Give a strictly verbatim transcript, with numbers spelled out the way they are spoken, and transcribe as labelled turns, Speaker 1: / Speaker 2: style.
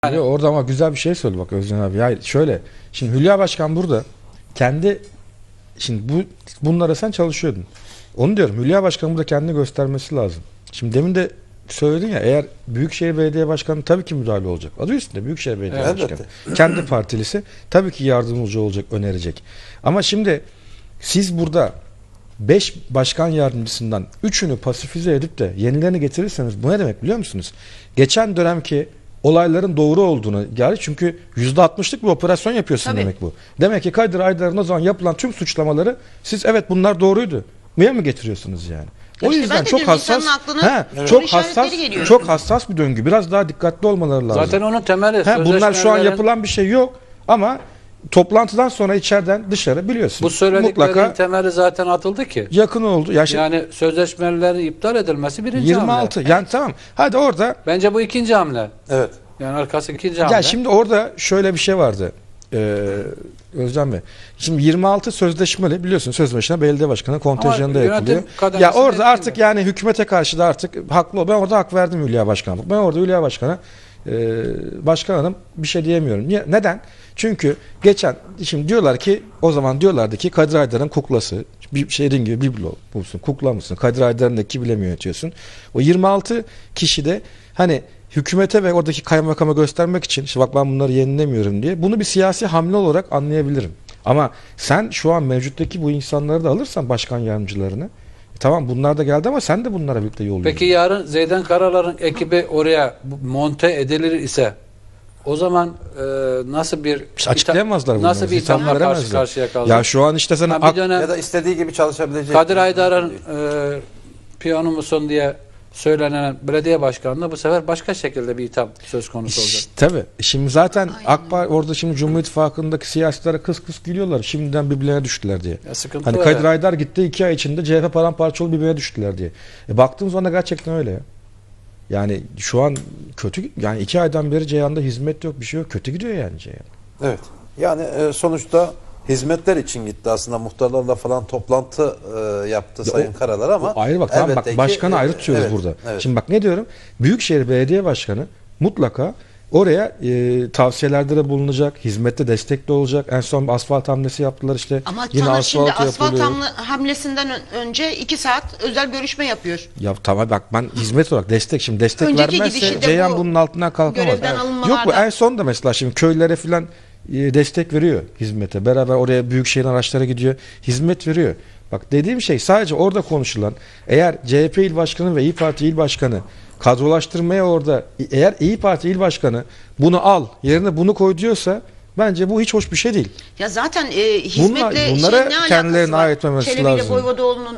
Speaker 1: Yani. Orada ama güzel bir şey söyledi bak Özcan abi. Hayır şöyle. Şimdi Hülya Başkan burada kendi şimdi bu bunlara sen çalışıyordun. Onu diyorum. Hülya Başkan burada kendini göstermesi lazım. Şimdi demin de söyledin ya, eğer Büyükşehir Belediye Başkanı tabii ki müdahale olacak. Adı üstünde Büyükşehir Belediye
Speaker 2: Evet,
Speaker 1: Başkanı.
Speaker 2: elbette.
Speaker 1: Kendi partilisi tabii ki yardımcı olacak, önerecek. Ama şimdi siz burada beş başkan yardımcısından üçünü pasifize edip de yenilerini getirirseniz bu ne demek biliyor musunuz? Geçen dönemki olayların doğru olduğunu, yani çünkü yüzde altmışlık bir operasyon yapıyorsun. Tabii. Demek bu. Demek ki Kadir Aydar'ın o zaman yapılan tüm suçlamaları siz evet bunlar doğruydu Niye mi getiriyorsunuz yani? O
Speaker 3: işte
Speaker 1: yüzden çok hassas, he,
Speaker 3: evet.
Speaker 1: çok hassas, çok hassas bir döngü. Biraz daha dikkatli olmaları lazım.
Speaker 2: Zaten onun temeli.
Speaker 1: He, bunlar şu an yapılan bir şey yok ama toplantıdan sonra içeriden dışarı biliyorsun.
Speaker 2: Bu söylediklerin
Speaker 1: mutlaka
Speaker 2: temeli zaten atıldı ki.
Speaker 1: Yakın oldu. Ya şimdi,
Speaker 2: yani sözleşmelerin iptal edilmesi birinci
Speaker 1: yirmi altı
Speaker 2: hamle.
Speaker 1: yani tamam. Hadi orada.
Speaker 2: Bence bu ikinci hamle.
Speaker 4: Evet.
Speaker 2: Yani arkası ikinci hamle.
Speaker 1: Ya şimdi orada şöyle bir şey vardı. Ee, Özcan Bey. Şimdi yirmi altı sözleşmeli biliyorsun, sözleşme belediye başkanı kontenjanında yapılıyor. Ya orada artık mi? Yani hükümete karşı da artık haklı ol. Ben orada hak verdim Hülya Başkan'a. Ben orada Hülya Başkan'a e, başkan hanım bir şey diyemiyorum. Niye? Neden? Çünkü geçen şimdi diyorlar ki, o zaman diyorlardı ki Kadir Aydar'ın kuklası, bir şeyin gibi biblo musun, kukla mısın? Kadir Aydar'ın da kimi mi yönetiyorsun? O yirmi altı kişi de hani hükümete ve oradaki kaymakama göstermek için işte bak ben bunları yenilemiyorum diye, bunu bir siyasi hamle olarak anlayabilirim. Ama sen şu an mevcuttaki bu insanları da alırsan, başkan yardımcılarını, e tamam bunlar da geldi ama sen de bunlara birlikte yol
Speaker 2: Peki yarın Zeydan Karalar'ın ekibi oraya monte edilir ise o zaman e, nasıl bir
Speaker 1: işte açıklayamazlar bunu.
Speaker 2: Nasıl bir ithamla karşı karşıya kalacak?
Speaker 1: Ya şu an işte sana
Speaker 2: yani dönem,
Speaker 4: ya da istediği gibi çalışabilecek.
Speaker 2: Kadir Aydar'ın e, piyano musun diye söylenen belediye başkanına bu sefer başka şekilde bir itham söz konusu olacak.
Speaker 1: Tabii. Şimdi zaten AK Parti orada, şimdi Cumhur İttifakı'ndaki siyasilere kıs kıs gülüyorlar. Şimdiden birbirlerine düştüler diye.
Speaker 2: Ya
Speaker 1: hani Kadir Aydar gitti, iki ay içinde C H P paramparça olup birbirine düştüler diye. E baktığım zaman gerçekten öyle ya. Yani şu an kötü, yani iki aydan beri Ceyhan'da hizmet yok, bir şey yok. Kötü gidiyor yani Ceyhan.
Speaker 4: Evet. Yani e, sonuçta hizmetler için gitti aslında, muhtarlarla falan toplantı e, yaptı ya Sayın o, Karalar ama
Speaker 1: ayrı bak, tamam bak, başkanı
Speaker 4: ki,
Speaker 1: ayrı tutuyoruz
Speaker 4: evet,
Speaker 1: burada.
Speaker 4: Evet.
Speaker 1: Şimdi bak ne diyorum? Büyükşehir Belediye Başkanı mutlaka oraya e, tavsiyelerde de bulunacak, hizmette destekli olacak. En son asfalt hamlesi yaptılar işte.
Speaker 3: Ama
Speaker 1: yine
Speaker 3: sana
Speaker 1: asfalt
Speaker 3: şimdi asfalt
Speaker 1: yapılıyor.
Speaker 3: hamlesinden önce iki saat özel görüşme yapıyor.
Speaker 1: Ya tamam bak, ben hizmet olarak destek, şimdi destek
Speaker 3: Önceki
Speaker 1: vermezse Ceyhan bu, bunun altından kalkamaz.
Speaker 3: görevden
Speaker 1: Yok bu en son da mesela şimdi köylere filan e, destek veriyor hizmete. Beraber oraya büyükşehir araçlara gidiyor. Hizmet veriyor. Bak dediğim şey sadece orada konuşulan, eğer C H P il başkanı ve İYİ Parti il başkanı kadrolaştırmaya orada, eğer İYİ Parti il başkanı bunu al yerine bunu koy diyorsa, bence bu hiç hoş bir şey değil.
Speaker 3: Ya zaten e, hizmetle
Speaker 1: Bunlar, bunlara
Speaker 3: şey, ne
Speaker 1: kendilerine
Speaker 3: alakası var?
Speaker 1: ait etmemesi
Speaker 3: Çelebi ile
Speaker 1: lazım.
Speaker 3: Voyvodaoğlu'nun